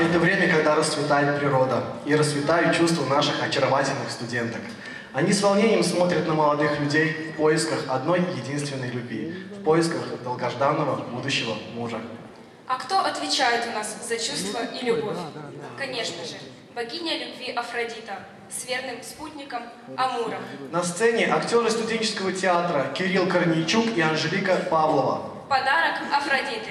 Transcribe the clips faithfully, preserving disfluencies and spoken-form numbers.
это время, когда расцветает природа и расцветают чувства наших очаровательных студенток. Они с волнением смотрят на молодых людей в поисках одной единственной любви, в поисках долгожданного будущего мужа. А кто отвечает у нас за чувства и любовь? Конечно же, богиня любви Афродита с верным спутником Амуром. На сцене актеры студенческого театра Кирилл Корнейчук и Анжелика Павлова. Подарок Афродиты.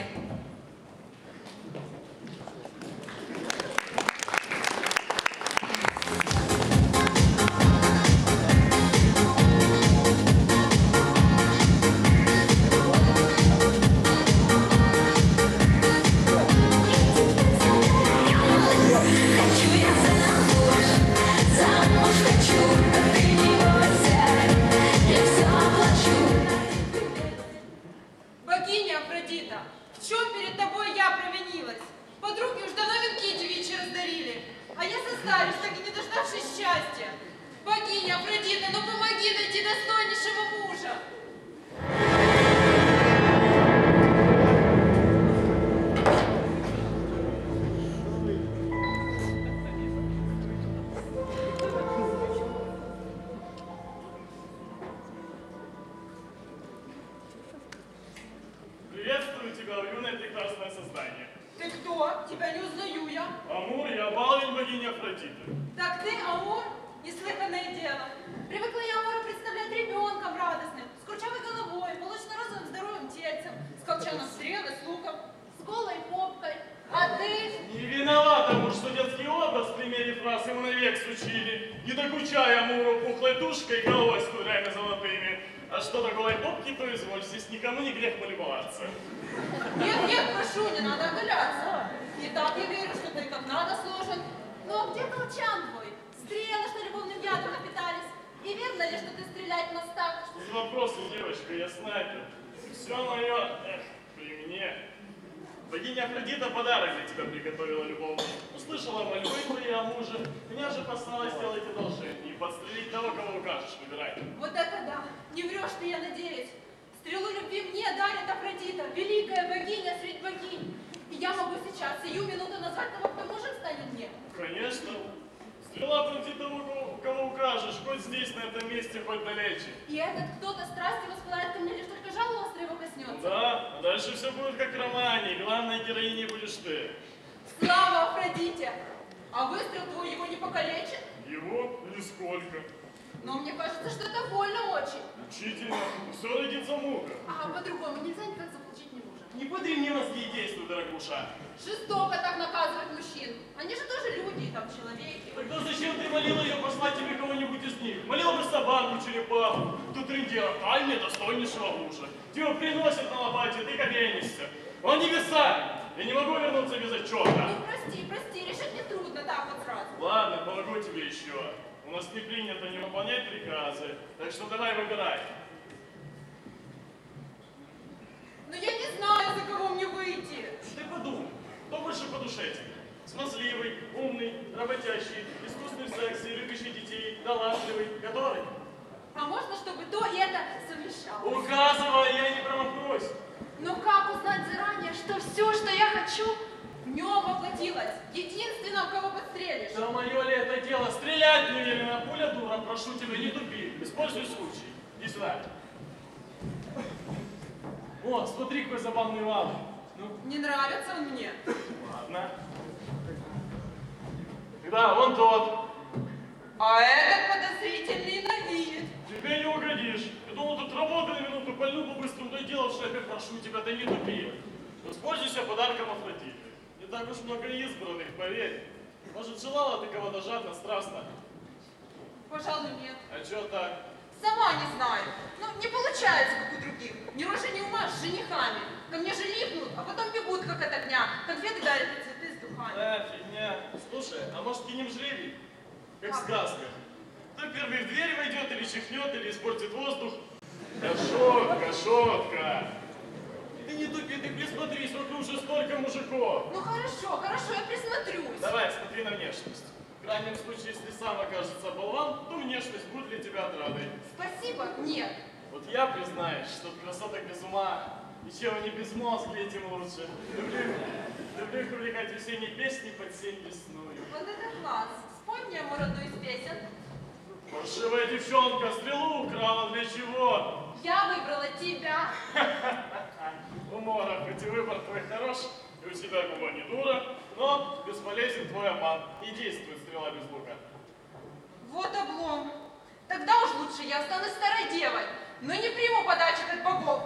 Богиня Афродита подарок для тебя приготовила, любовь. Услышала мольбы твои о муже, меня же послала сделать одолжение и подстрелить того, кого укажешь, выбирай. Вот это да! Не врешь ты, я надеюсь. Стрелу любви мне дарит Афродита, великая богиня средь богинь. И я могу сейчас, сию минуту назвать того, кто мужем станет мне. Конечно. Стрела против того, кого укажешь, хоть здесь, на этом месте, хоть далече. И этот кто-то страстью воспылает ко мне, лишь только жало острое его коснется. Да, а дальше все будет как в романе, главной героиней будешь ты. Слава Афродите! А выстрел твой его не покалечит? Его? Нисколько. Но мне кажется, что это больно очень. Учительно. Все родится мука. А по-другому нельзя никак заполучить не мужа. Не подри мне мозги и действуй, дорогуша. Жестоко так наказывать мужчин. Они же тоже люди, там, человеки. Тогда зачем ты молила ее послать тебе кого-нибудь из них? Молила бы собаку, черепаху. Тут трындела, тай мне достойнейшего мужа. Тебя приносят на лопате, ты кабенишься. Он небеса! Я не могу вернуться без отчета. Ну, прости, прости, решить не трудно так вот сразу. Ладно, помогу тебе еще. У нас не принято не выполнять приказы, так что давай выбирай. Но я не знаю, за кого мне выйти. Ты подумай, кто больше по душе тебе? Смазливый, умный, работящий, искусный в сексе, любящий детей, талантливый, который? А можно, чтобы то и это совмещалось? Указывай, я не промахнусь. Но как узнать заранее, что все, что я хочу, в нем воплотилось? Единственного, кого подстрелишь. Да мое ли это дело? Стрелять не велено, пуля дура, прошу тебя, не тупи. Используй случай. Иди сюда. О, смотри, какой забавный вал. Ну? Не нравится он мне. Ладно. Да, вон тот. А этот подозрительный на вид. Тебе не угодишь. Я думал, тут работа на минуту, пальну по-быстрому, да и дело в шляпе, прошу тебя, да не тупи. Воспользуйся подарком Афродиты. Не так уж много избранных, поверь. Может, желала ты кого-то жадно, страстно? Пожалуй, нет. А чё так? Сама не знаю. Ну, не получается, как у других. Ни рожи, ни ума с женихами. Ко мне же липнут, а потом бегут, как от огня. Конфеты дарят и цветы с духами. Да, фигня. Слушай, а может, кинем жребий? Как в сказках. Кто первый в дверь войдет, или чихнет, или испортит воздух. Да шутка, шутка. Ты не тупи, ты присмотрись, вокруг уже столько мужиков. Ну хорошо, хорошо, я присмотрюсь. Давай, смотри на внешность. В крайнем случае, если сам окажется болван, то внешность будет для тебя отрадой. Спасибо, нет. Вот я, признаюсь, что от красоток без ума, и И чем они безмозглые, тем лучше. Люблю, люблю их увлекать весенней песней под сень лесную. Вот это класс. Спой мне ему одну из песен. Паршивая девчонка, стрелу украла для чего? Я выбрала тебя. Умора, хоть и выбор твой хорош, и у тебя губа не дура, но бесполезен твой обман. И действует стрела без лука. Вот облом. Тогда уж лучше я останусь старой девой, но не приму подачек от богов.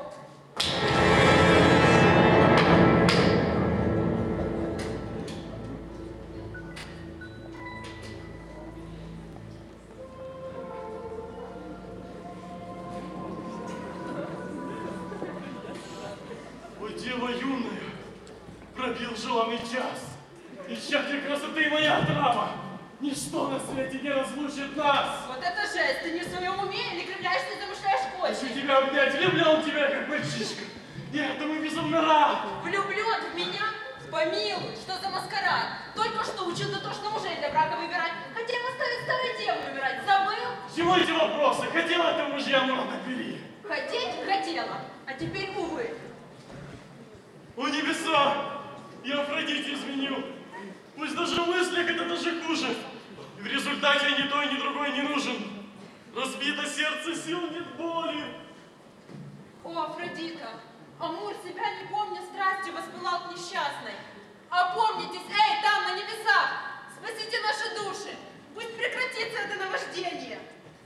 О, дева юная, пробил желанный час. Исчадие красоты моя драма. Ничто на свете не разлучит нас. Вот это жесть. Ты не в своем уме или кривляешься и замышляешь Хочу кости? тебя обнять, влюблен в тебя, как мальчишка. Я этому безумно рад. Влюблен в меня? Помилуй, что за маскарад? Только что учил дотошно мужей для брака выбирать. Хотел оставить старой девой умирать. Забыл? К чему эти вопросы? Хотела ты мужьям рано бери. Хотеть хотела, а теперь увы. О небеса! Я Афродите изменил. Пусть даже в мыслях это даже хуже. И в результате ни той, ни другой не нужен. Разбито сердце, сил нет боли. О, Афродита, Амур, себя не помня, страстью воспылал к несчастной. Опомнитесь, эй, там, на небесах! Спасите наши души! Пусть прекратится это наваждение!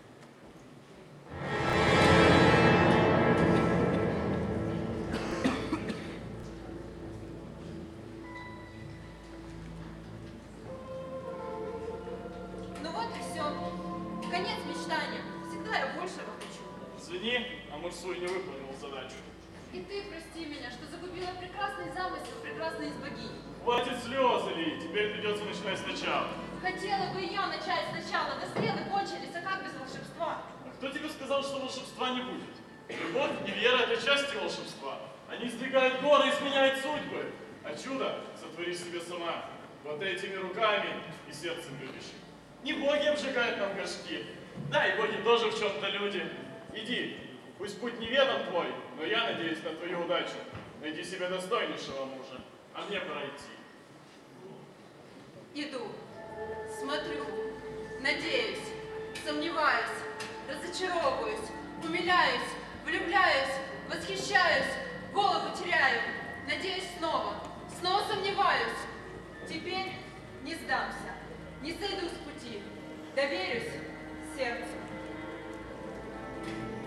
Ну вот и все. Конец мечтаниям. Всегда я большего хочу. Извини, Амур свой не выполнил задачу. И ты прости меня, что загубила прекрасный замысел прекрасной из богинь. Хватит слезы лить, теперь придется начинать сначала. Хотела бы я начать сначала, да стрелы кончились, а как без волшебства? А кто тебе сказал, что волшебства не будет? Любовь и вера – это части волшебства. Они сдвигают горы и сменяют судьбы. А чудо сотвори себе сама, вот этими руками и сердцем любящим. Не боги обжигают нам горшки, да и боги тоже в чем-то люди. Иди, пусть путь неведом твой, но я надеюсь на твою удачу. Найди себе достойнейшего мужа, а мне пора идти. Иду, смотрю, надеюсь, сомневаюсь, разочаровываюсь, умиляюсь, влюбляюсь, восхищаюсь, голову теряю, надеюсь снова, снова сомневаюсь. Теперь не сдамся, не сойду с пути, доверюсь сердцу.